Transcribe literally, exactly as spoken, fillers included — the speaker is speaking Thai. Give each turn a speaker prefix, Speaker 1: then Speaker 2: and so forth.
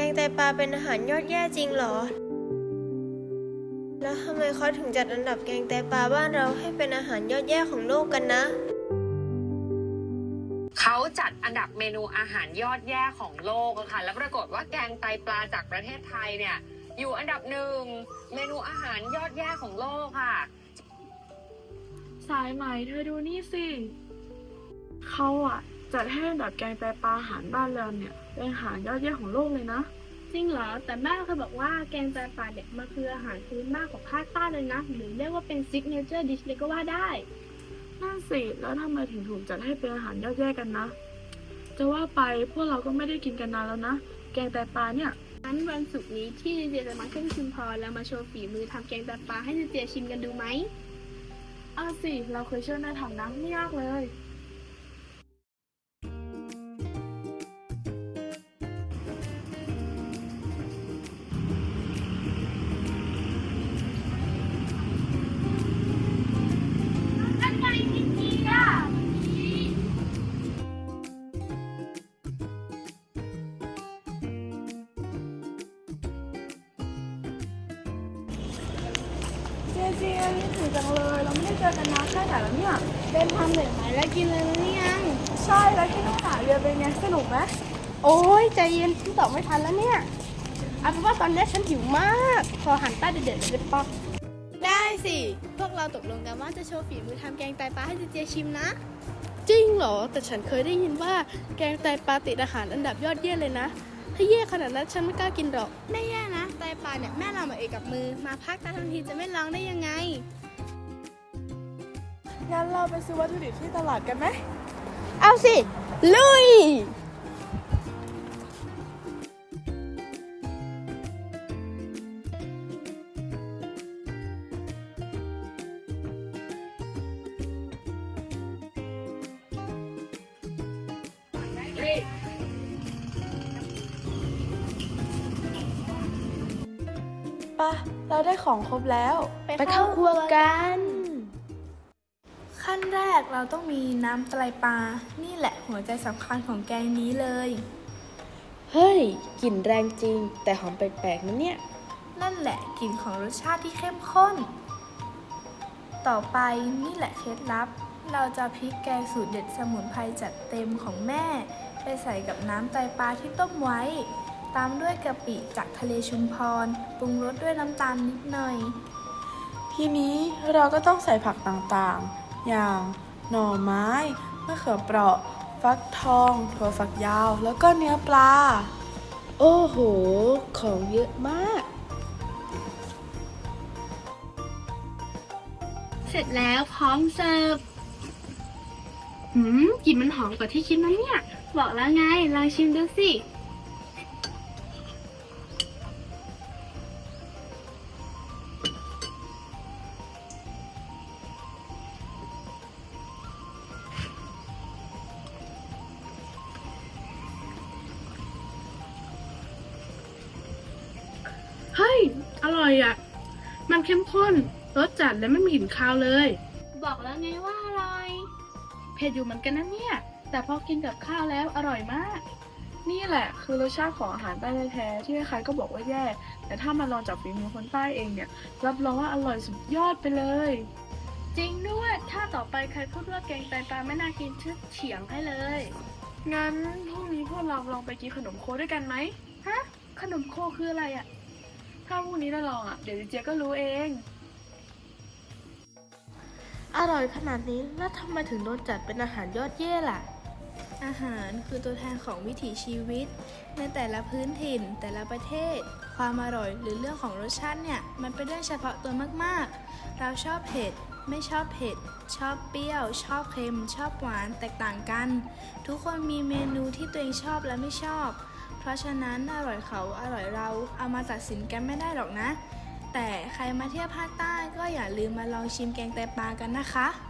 Speaker 1: งไตปลาเป็นอาหารยอดแย่จริงเหรอแล้วทำไมเขาถึงจัดอันดับแกงไตปลาบ้านเราให้เป็นอาหารยอดแย่ของโลกกันนะ
Speaker 2: เขาจัดอันดับเมนูอาหารยอดแย่ของโลกค่ะแล้วปรากฏว่าแกงไตปลาจากประเทศไทยเนี่ยอยู่อันดับหนึ่งเมนูอาหารยอดแย่ของโลกค่ะ
Speaker 3: สายไหมเธอดูนี่สิเขาอะจัดให้อันดับแกงไตปลาอาหารบ้านเราเนี่ยเป็นอาหารยอดเยี่ยมของโลกเลยนะ
Speaker 4: จริงเหรอแต่แม่เคยบอกว่าแกงไตปลาเนี่ยมันคืออาหารพื้นบ้านของภาคใต้เลยนะหรือเรียกว่าเป็นซิกเนเจอร์ดิชเลยก็ว่าได้
Speaker 3: นั่นสิแล้วทำไมถึงถูกจัดให้เป็นอาหารยอดเยี่ยมกันนะจะว่าไปพวกเราก็ไม่ได้กินกันนานแล้วนะแกงไตปลาเนี่ย
Speaker 4: งั้นวันศุกร์นี้ที่เจเจจะมาขึ้นชุมพรแล้วมาโชว์ฝีมือทำแกงไตปลาให้เจเจชิมกันดูไหม
Speaker 3: อ้าวสิเราเคยช่วยแม่ทำนะไม่ยากเลยเจเจคิดถึงจังเลยเราไม่ได้เจอกันนานแค่ไหนแล้วเนี่ย
Speaker 4: เดินทางเหนื่อยไหมแล้วกินเลยนะเนี่ย
Speaker 3: ใช่แล้วที่ต้องหาเรือเป็นไงสนุกไหม
Speaker 4: โอ้ยใจเย็นฉันตอบไม่ทันแล้วเนี่ยเอาเป็นว่าตอนนี้ฉันหิวมากพอหันใต้เด็ดๆเลยได้ปะได้สิพวกเราตกลงกันว่าจะโชว์ฝีมือทำแกงไตปลาให้เจเจชิมนะจริงเหรอแต่ฉันเคยได้ยินว่าแกงไตปลาติดอาหารอันดับยอดเยี่ยมเลยนะถ้าแย่ขนาดนั้นฉันไม่กล้ากินหรอกไม่แย่นะไตปลาเนี่ยแม่เรามาเองกับมือมาพักตาทันทีจะไม่ลองได้ยังไง
Speaker 3: งั้นเราไปซื้อวัตถุดิบที่ตลาดกันไหม
Speaker 4: เอาสิลุย
Speaker 3: ปะเราได้ของครบแล้ว
Speaker 4: ไปเข้าครัวกัน
Speaker 5: ขั้นแรกเราต้องมีน้ำไตรปลา นี่แหละหัวใจสำคัญของแกงนี้เลย
Speaker 1: เฮ้ยกลิ่นแรงจริงแต่หอมแปลกๆนะเนี่ย
Speaker 5: นั่นแหละกลิ่นของรสชาติที่เข้มข้น ต่อไปนี่แหละเคล็ดลับ เราจะพริกแกงสูตรเด็ดสมุนไพรจัดเต็มของแม่ ไปใส่กับน้ำไตรปลาที่ต้มไว้ ตามด้วยกะปิจากทะเลชุมพรปรุงรสด้วยน้ำตาลนิดหน่อย
Speaker 3: ทีนี้เราก็ต้องใส่ผักต่างๆ อย่างหน่อไม้มะเขือเปราะ ฟักทอง ถั่วฝักยาว แล้วก็เนื้อปลา
Speaker 1: โอ้โหของเยอะมาก
Speaker 4: เสร็จแล้วพร้อมเสิร์ฟหืมกลิ่นมันหอมกว่าที่คิดนะเนี่ยบอกแล้วไงลองชิมดูสิเฮ้ยอร่อยอ่ะมันเข้มข้นรสจัดและไม่มีกลิ่นคาวเลยบอกแล้วไงว่าอร่อยเผ็ดอยู่เหมือนกันนะเนี่ยแต่พอกินกับข้าวแล้วอร่อยมาก
Speaker 3: นี่แหละคือรสชาติของอาหารใต้แท้ๆที่ใครๆก็บอกว่าแย่แต่ถ้ามาลองจากฝีมือคนใต้เองเนี่ยรับรองว่าอร่อยสุดยอดไปเลย
Speaker 4: จริงด้วยถ้าต่อไปใครพูดว่าแกงไตปลาไม่น่ากินชื่อเฉียงให้เลย
Speaker 3: งั้นพรุ่งนี้พวกเราลองไปกินขนมโคด้วยกันไหม
Speaker 4: ฮะขนมโคคืออะไรอ่ะ
Speaker 3: ถ้าพรุ่งนี้เราลองอ่ะเดี๋ยวเจ๊ก็รู้เอง
Speaker 5: อร่อยขนาดนี้แล้วทำไมถึงโดนจัดเป็นอาหารยอดเยี่ยมล่ะอาหารคือตัวแทนของวิถีชีวิตในแต่ละพื้นถิ่นแต่ละประเทศความอร่อยหรือเรื่องของรสชาติเนี่ยมันเป็นเรื่องเฉพาะตัวมากๆเราชอบเผ็ดไม่ชอบเผ็ดชอบเปรี้ยวชอบเค็มชอบหวานแตกต่างกันทุกคนมีเมนูที่ตัวเองชอบและไม่ชอบเพราะฉะนั้นอร่อยเขาอร่อยเราเอามาตัดสินกันไม่ได้หรอกนะแต่ใครมาเที่ยวภาคใต้ก็อย่าลืมมาลองชิมแกงไตปลากันนะคะ